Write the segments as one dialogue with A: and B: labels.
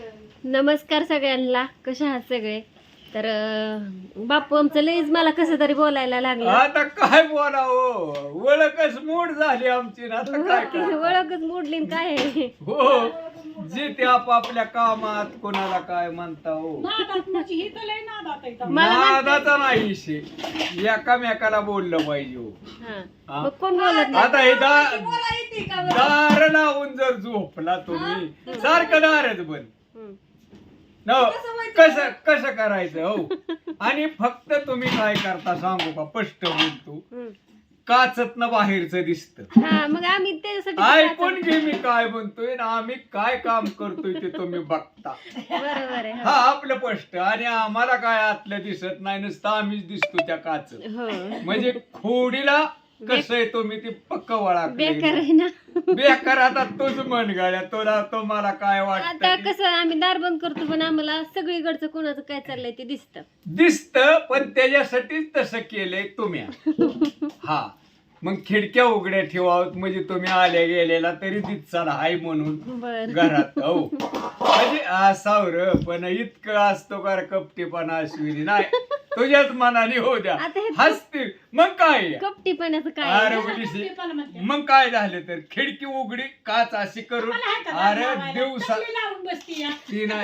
A: नमस्कार सगळ्यांना, कशा आहात सगळे? तर बापू आमचं लईच मला कसं तरी बोलायला लागलं.
B: आता काय बोलावं, ओळखच मूड झाली आमची ना. आता काय करावं?
A: ओळखच मोडली न काय आहे.
B: हो, जे ते आपापल्या कामात कोणाला काय म्हणता हो. नादाचा नाही विषय, एकामेकाला बोललं पाहिजे हो.
A: हा.
B: हा.
A: मग कोण बोलत नाही?
B: आता हे दार लावून जर झोपला तुम्ही, सारखं दारच बंद.
A: हम्म.
B: न कसं कसं करायचं हो. आणि फक्त तुम्ही काय करता सांगू का, स्पष्ट बोलतो,
A: हम्म.
B: काचत न बाहेरचं दिसतं.
A: हा, मग आम्ही त्याच्यासाठी
B: ऐकून घे मी काय म्हणतोय ना, आम्ही काय काम करतोय ते तुम्ही बघता.
A: बरोबर आहे.
B: हा आपलं स्पष्ट. आणि आम्हाला काय आतलं दिसत नाही, नुसतं आम्हीच दिसतो त्या काच.
A: हो.
B: म्हणजे खोडीला कसं आहे तुम्ही ती पक्क वळा
A: बेकार आहे ना.
B: बेकार. आता तूच म्हण गाड्या, तुला तुम्हाला काय
A: आता
B: वाटत
A: कसं आम्ही दार बंद करतो, पण आम्हाला सगळीकडचं कोणाचं काय चाललंय ते दिसतं.
B: दिसतं, पण त्याच्यासाठीच तसं केलंय तुम्ही. हा, मग खिडक्या उघड्या ठेवावत, म्हणजे तुम्ही आल्या गेलेला तरी दिसचाल हाय म्हणून
A: बर.
B: घरात. हो, म्हणजे असावर पण इतकं असतो का कपटीपणा अश्विनी नाही. तुझ्याच मनाने हो द्या,
A: आता हे
B: हसते मग काय.
A: कपटीपणाचं काय
B: अरे
A: आहे?
B: उलीशी, मग काय झालं तर खिडकी उघडी काच अशी करून, अरे दिवसा ती नाही,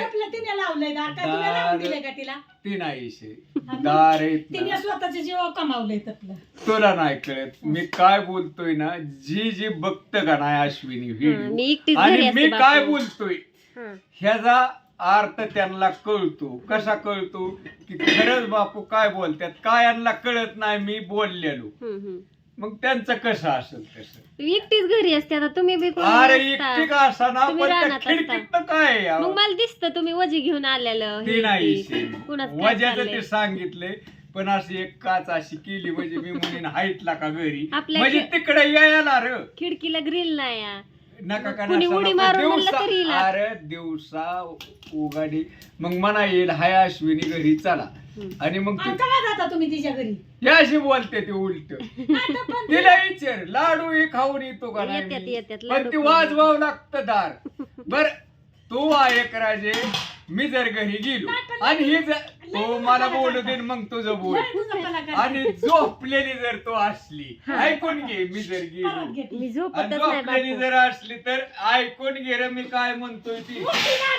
B: ती नाही विषय. दार
C: तिने स्वतःचे जीव कमावलंय त्यातलं.
B: तुला नाही कळत मी काय बोलतोय ना. जी बघत का नाही अश्विनी
A: मी
B: व्हिडिओ,
A: एकटीच घरी
B: आणि
A: असते
B: मी काय
A: बापू.
B: बोलतोय
A: हा.
B: ह्याचा अर्थ त्यांना कळतो. कसा कळतो की खरंच बापू काय बोलतात, काय यांना कळत नाही मी बोललेलो.
A: हम्म, हम्म.
B: मग त्यांचं कसं असेल तसं.
A: एकटीच घरी असते आता, तुम्ही बी कोणी
B: अरे
A: नसता.
B: एकटी का असा ना,
A: तुम्ही
B: पण त्या
A: रानात असता.
B: खिडकीत काय आहे
A: मग
B: अहो?
A: मला दिसतं तुम्ही वजी घेऊन आलेलं.
B: ते
A: हे
B: नाही
A: ते. कुणाचं काय
B: वजाचं
A: चाललंय?
B: ते सांगितलंय, पण अशी एक काच अशी केली म्हणजे मी म्हणेन हाईटला का घरी,
A: आपल्या
B: म्हणजे तिकडे यायला र
A: खिडकीला ग्रिल नाही आ.
B: नका का
A: कुणी
B: नसा
A: उडी
B: नको.
A: मारून म्हणलं
B: दिवसा,
A: तरी येईल.
B: अरे दिवसा उगाडी मग म्हणा येईल हाय अश्विनी घरी चला. आणि मग
C: आणि केव्हा जाता तुम्ही तिच्या घरी?
B: हे अशी बोलते ते उलट. तिला विचार लाडू हे खाऊन येतो का
A: येत्यात,
B: नाही,
A: येत्यात,
B: पण
A: लाडू
B: ती
A: खाऊन
B: वाजवावं लागतं दार. बर तू ऐक राजे, मी जर घरी गेलो आणि ही जर तो मला बोलू दे, मग तुझं बोल.
C: लय तुझं कलाकार.
B: आणि झोपलेली जर तो असली, ऐकून घे, मी जर गेलो
C: परत घेते.
A: मी
B: आणि
A: झोपतच नाही
B: झोपलेली
A: बापू.
B: जर असली तर ऐकून घे रे मी काय म्हणतोय ती.
C: मोठी नाही,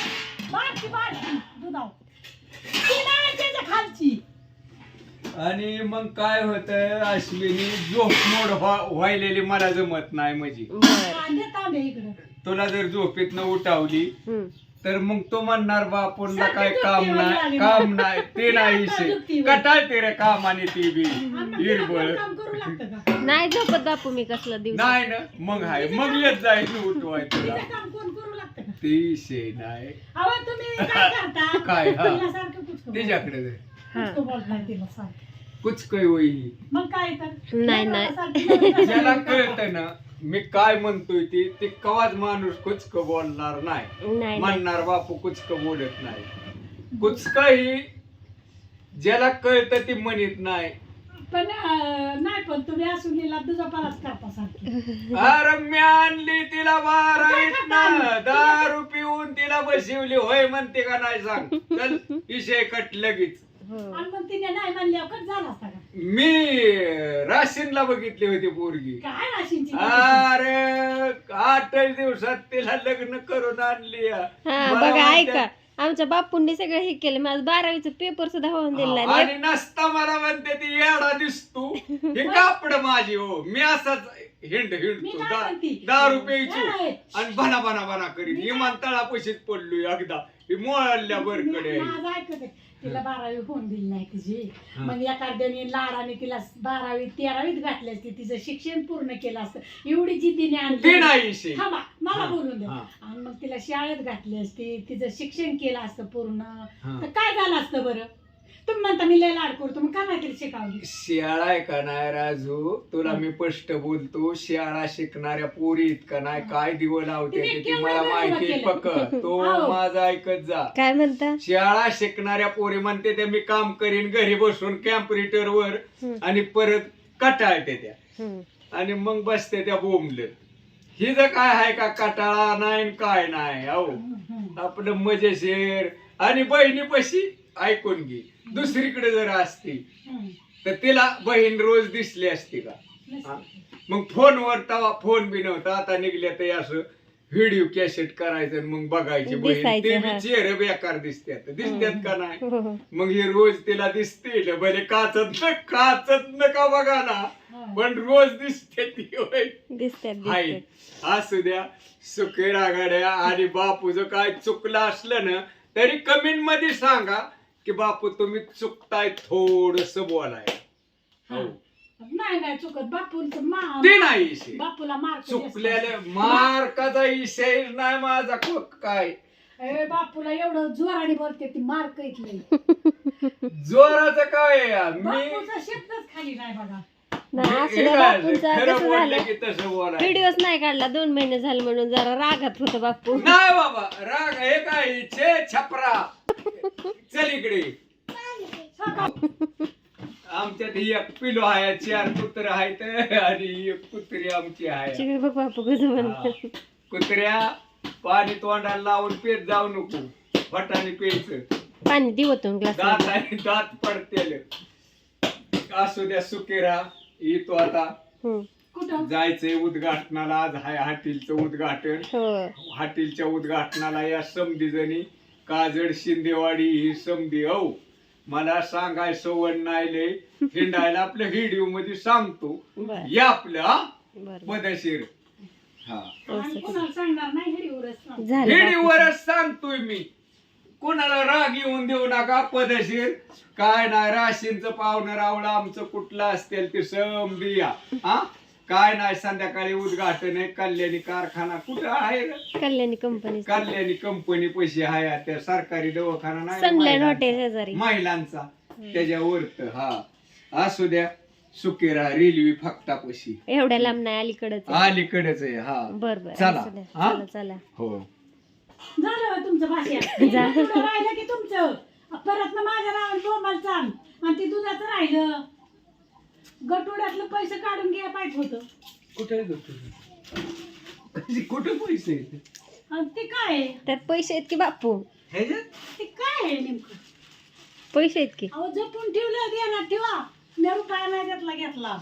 C: बारकी दुधाव. ती नाही त्याच्या खालची.
B: आणि मग काय होतं अश्विनी, झोप मोड व्हायलेली मला जमत नाही. म्हणजे
A: बरं.
C: देता आम्ही इकडं.
B: तुला जर झोपेतनं उठावली
A: हम्म.
B: तर मग तो म्हणणार बापूंना
C: सारखी
B: काय
C: झोपती
B: काम
C: म्हणजे
B: नाही,
C: आली
B: काम
C: ना.
B: नाही, ते नाही
C: सारखी झोपती
B: विषय.
C: म्हणजे.
B: कटाळते रे कामाने ती बी
C: आम्हाला
B: हिरबळ.
C: तिला काम करू लागतं का?
A: नाही झोपत बापू मी कसला दिवस.
B: नाही ना, मग हाय मग येत जाईल उठवाय तुला.
C: तिचं काम कोण करू लागतं का?
B: ते विषय नाही.
C: अहो तुम्ही काय करता?
B: काय, हा.
C: तिला सारखं कुचकं
B: तिच्याकडे जाय.
C: कुचकं बोलताय तिला सारखं.
B: कुछ काही होई.
C: मग काय तर?
A: नाही, नाही.
C: सारखी
B: ज्याला कळतं ना मी काय म्हणतोय ते कवाच माणूस कुचक बोलणार नाही.
A: नाही, नाही.
B: म्हणणार बापू कुचक बोलत नाही. कुचक ही ज्याला कळतं ती म्हणत नाही.
C: पण नाही, पण तुम्ही असून दुजापालाच करता सारखी.
B: अरे मी आणली तिला 12वीत ना, दारू पिऊन तिला बसवली होय म्हणते का नाही सांग. चल विषय कट लगेच.
A: हो.
C: आणि मग तिने नाही म्हणल्यावर कट झाला असता का?
B: मी राशीनला बघितली होती पोरगी.
C: काय राशींची?
B: अरे 8 दिवसात तिला लग्न करून आणली.
A: हा
B: मला
A: बघा
B: म्हणते-
A: ऐका, आमच्या बापूंनी सगळं हे केलं. माझं 12वीचं पेपर सुद्धा होऊन दिला
B: हा, आणि नसता मला म्हणते ती येडा दिसतो, हे कापड माझी हो. मी असाच हिंड
C: मी
B: हिंडतो
C: काय म्हणते?
B: दारू प्यायचो
C: नाही.
B: आणि बना बना बना करीत विमानतळा पैसेच पडलोय एकदा. ही मोळल्या बरकडे.
C: माझं ऐकत आहे. तिला 12वी होऊन दिली नाही तिची.
B: हा.
C: मग एखाद्याने लाडाने तिला 12वी 13वीत घातली असती, तिचं शिक्षण पूर्ण केलं असतं. एवढी जिद्दीने
B: ते
C: आणली.
B: नाही विषय.
C: थांबा, मला
B: हा,
C: बोलून द्या.
B: हा.
C: आणि मग तिला शाळेत घातली असती, तिचं शिक्षण केलं असतं पूर्ण,
B: हा.
C: तर काय झालं असतं बरं? तुम्ही म्हणता मी लय लाड करतो, मग का नाही तिला शिकावली?
B: शाळा आहे का नाही राजू, तुला मी स्पष्ट बोलतो, शाळा शिकणाऱ्या पोरी इतका नाही काय दिवं लावते
C: तिने
B: ते
C: केवढं
B: मला
C: वेगळं
B: माहिती
C: केलं.
B: पक्क. तो
C: हो.
B: माझा ऐकत जा.
A: काय म्हणता?
B: शाळा शिकणाऱ्या पोरी म्हणते त्या मी काम करीन घरी बसून कॅम्प्युटर वर, आणि परत कटाळते त्या
A: हम्म.
B: आणि मग बसते त्या बोंबलत. ही जर काय आहे का कटाळा नाही न काय नाही. अहो आपलं मजेशीर. आणि बहिणीपाशी ऐकून घे, दुसरीकडे जर असती
C: हं.
B: तर तिला बहीण रोज दिसली असती का? हा? मग फोनवर तवा फोन बी नव्हता, आता निघले ते असं व्हिडिओ कॅसेट करायचं आणि मग बघायची बहीण.
A: दिसायचं,
B: ते
A: हा.
B: बी चेहरे बेकार दिसतात का नाही?
A: हो, हो.
B: मग हे रोज तिला दिसते भले काचत नका बघा ना,
C: हं.
B: पण रोज दिसते ती होय.
A: दिसतात
B: हाय,
A: दिसतात.
B: असू द्या सुखे रागाड्या. आणि बापूचं काय चुकलं असलं ना तरी कमेंट मध्ये सांगा की बापू तुम्ही चुकताय, थोडस बोलाय. हो,
C: नाही नाही चुकत बापूंचं
B: ते नाही विषय.
C: बापूला मार्क
B: चुकलेले मार्काचा विषय नाही माझा. काय
C: बापूला एवढं जोराने बोलते ती मार्क इथले
B: जोराचं काय आहे? मी
C: बापूचा शब्दच खाली नाही बघा.
A: नाही, असं
B: हे
A: नाही,
B: काय
A: बापूंचं
B: खरं
A: कसं
B: बोललं
A: झालं
B: की तसं बोलायचं.
A: व्हिडिओच नाही काढला 2 महिने झाले म्हणून जरा रागात होतं बापू.
B: नाही बाबा राग हे काय छे छपरा. चल इकडे. आमच्यात ही एक पिलो आहे, 4 कुत्र आहेत आणि एक कुत्री आमची आहे.
A: चिकन बघ बापू कसं
B: हा.
A: म्हणतात.
B: कुत्र्या पाणी तोंडाला लावून पेत जाऊ नको, फटाने प्यायचं.
A: पाणी दिवतून ग्लास
B: दात आणि दात पडतेल. असू द्या सुकेरा. येतो आता
C: कुठं
B: जायचंय उद्घाटनाला. आज हाय हॉटेलचं उद्घाटन.
A: हो.
B: हॉटेलच्या उद्घाटनाला या समधी जणी काजळ शिंदेवाडी ही समधी. हो, मला सांगाय सवड नाही लय हिंडायला. आपल्या व्हिडिओ मध्ये सांगतो
A: बर
B: या आपलं हा
A: बर
B: पदशीर. हा,
C: आणि कोणाला सांगणार नाही व्हिडिओवरच
A: झालं बापू.
B: व्हिडिओवरच सांगतोय मी. कोणाला राग येऊन देऊ नका. पदशीर काय नाही. राशींचं पाहुणं रावळं आमचं कुठलं असतील ते समधी या. हा, काय नाही. संध्याकाळी उद्घाटन आहे. कल्याणी कारखाना कुठं आहे रे?
A: कल्याणी कंपनी
B: कल्याणी कंपनी पैसे आहे. त्या सरकारी दवाखाना नाही
A: सनलाईन
B: महिलांचा.
A: हॉटेल शेजारी.
B: महिलांचा त्याच्यावरत. हा, असू द्या सुकेरा. रेल्वे फक्तापाशी
A: एवढ्या लांब नाही, अलीकडच
B: अलीकडेच आहे. हा,
A: बर बर
B: चला.
A: असू द्या.
B: हा?
A: चला चला.
B: हो.
C: झालं होय तुमचं भाषा. राहिलं की तुमचं परत ना माझ्या नावाने बोंबाल चाल. आणि ते दुधाचं राहिलं. गटोड्यातलं पैसे काढून घ्या पाहिजे होतं.
B: कुठे कुठे पैसे आहेत?
C: आणि ते काय आहे?
A: त्यात पैसे आहेत की बापू?
B: ह्याच्यात?
C: ते काय आहे नेमकं?
A: पैसे आहेत की.
C: अहो जपून ठेवलं देणार ठेवा. मी रुपया नाही त्यातला घेतला.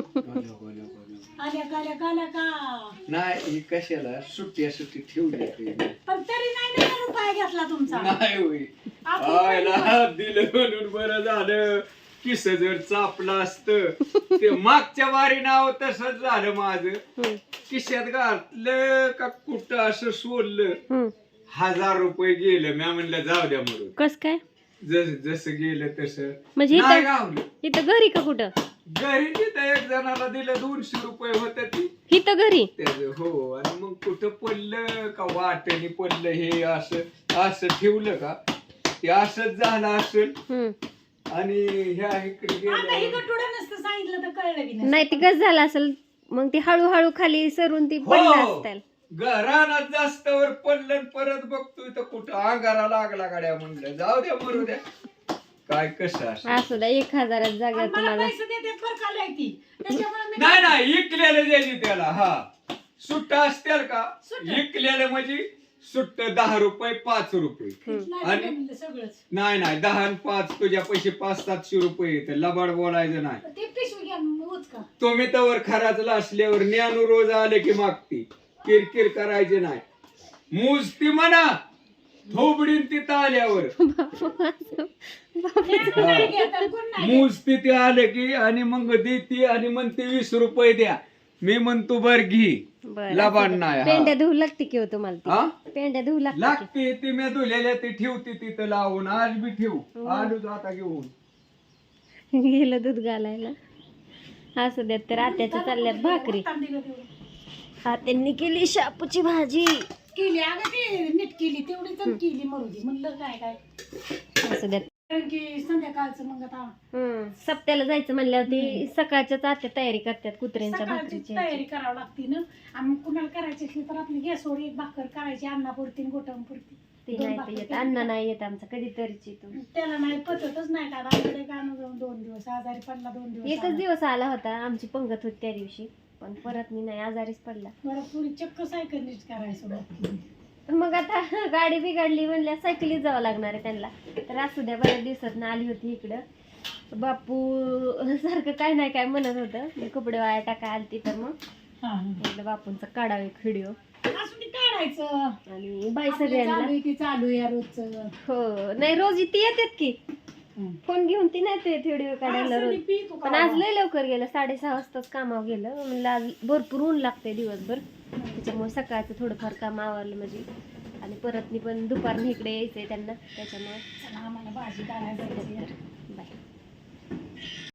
C: आल्या का
B: नाही ही कशाला सुट्टी ठेवली ते.
C: पण तरी नाही ना रुपया घेतला तुमचा.
B: नाही होय.
C: आपण
B: आयला दिलं म्हणून बरं झालं. किस जर चापलं असतं ते मागच्या वारी नाव तसंच झालं माझं.
A: हम्म,
B: किशात घातलं का कुठं असं सोडलं.
A: हम्म.
B: 1000 रुपये गेलं. मी म्हणलं जाऊ द्या म्हणून.
A: कस काय
B: जसं गेलं तसं
A: म्हणजे
B: नाही
A: इथं
B: गावलं.
A: इथं घरी का कुठं?
B: घरी तिथं एक जणाला दिलं 200 रुपये होत ती
A: इथं घरी?
B: त्याचं. हो, आणि मग कुठं पडलं का वाटणी पडलं हे असं असं ठेवलं का ते असंच झालं असेल.
A: हम्म.
B: आणि ह्या इकडे
C: आता हे
B: गेलं.
C: गटोडं नसतं सांगितलं तर कळलं की
A: नाही ती कस झालं असेल मग ती हळूहळू खाली सरून ती पडलं
B: हो,
A: असतील.
B: रानात जास्त वर पडलं आणि परत बघतोय तर कुठं अंगारा लागला गाड्या. म्हणलं जाऊ द्या मरू द्या. काय कसं असं.
A: असू द्या 1000 जागा
C: आणि मला
A: तुम्हाला.
C: पैसे देते फरकाला आहे ती. त्याच्यामुळे मी
B: नाही नाही इकलेलं द्यायची त्याला. हा, सुट्ट असतील का
C: सुट्ट.
B: इकलेलं म्हणजे सुट्ट 10 रुपये 5 रुपये.
C: नाही
B: आणि-
C: म्हणलं सगळंच.
B: नाही 10 आणि 5 तुझ्या पैसे 500-700 रुपये येते. लबाड बोलायचं नाही.
C: ते पिशवी घ्या उचका.
B: तुम्ही तवर खराच असल्यावर ज्ञानू रोज आले की मागती. किरकिर करायची नाही. मूजती म्हणा थोबडीन तिथं आल्यावर.
C: ज्ञान नाही घेत आणि कोण नाही घेत.
B: मूजती ते आले की आणि मग देते आणि म्हणते 20 रुपये द्या. मी म्हणतो बर घे.
A: बरं,
B: लबाड
A: असू द्या.
B: नाही.
A: पेंड्या धुवू लागते की हो तुम्हाला
B: हा,
A: ती? पेंड्या धुवू लागते
B: लागते ती. मी धुलेल्या ते ठेवते तिथं लावून. आज बी ठेवू. आलोच आता घेऊन.
A: की? गेलं दूध घालायला. असू द्यात. तर आत्याच्या चालल्यात भाकरी.
C: तांदूळ दिलं तेवढं.
A: आत्यांनी केली शापूची भाजी.
C: केली अगं ती नीट केली तेवढी तर केली मरू दे म्हणलं काय
A: असू द्यात.
C: कारण की संध्याकाळचं मग आता
A: सप्त्याला जायचं म्हणल्यावर ती सकाळच्याच आत्या तयारी करतात कुत्र्यांच्या
C: सकाळची
A: भाकरीची.
C: तयारी करावी लागते ना. आणि मग कुणाला करायची असली तर आपली गॅसवर एक भाकर करायची अन्नापुरती आणि गोटांपुरती.
A: ती
C: दोन
A: नाही तर
C: भाकरी
A: येत.
C: केल्या.
A: अन्न नाही येत आमचा कधीतरीच येतो.
C: त्याला नाही पचतच नाही का आमच्याकडे का जाऊन 2 दिवस आजारी पडला 2 दिवस
A: एकच
C: आला.
A: दिवस आला होता. आमची पंगत होती त्या दिवशी पण परत मी नाही आजारीच पडला.
C: मला पुरी चक्क सायकल नीट करायचं
A: मग आता गाडी बिघडली म्हणल्या सायकलीत जावं लागणार आहे त्यांना. तर असू द्या, बऱ्याच दिवसात आली होती इकडं. बापू सारखं काय नाही काय म्हणत होतं, मी कपडे वाया टाका आलती, तर मग म्हटलं बापूंचा काढावा एक व्हिडिओ.
C: असं ते काढायचं.
A: आणि बाई
C: आपलं
A: सगळ्यांना.
C: चालू आहे ती चालू आहे रोजचं.
A: हो नाही, रोज ती येतात की फोन घेऊन, ती नाही येत व्हिडिओ काढायला
C: असं
A: रोज.
C: ती पी तू
A: पण आज लय लवकर गेलं, 6:30 वाजताच कामावर गेलं. म्हणलं आज भरपूर ऊन लागते दिवसभर, त्याच्यामुळे सकाळचं थोडंफार काम आवरलं म्हणजे. आणि परत मी पण दुपारनं इकडे यायचंय त्यांना, त्याच्यामुळे
C: चला आम्हाला भाजी काढायला जायची आहे.
A: बाय.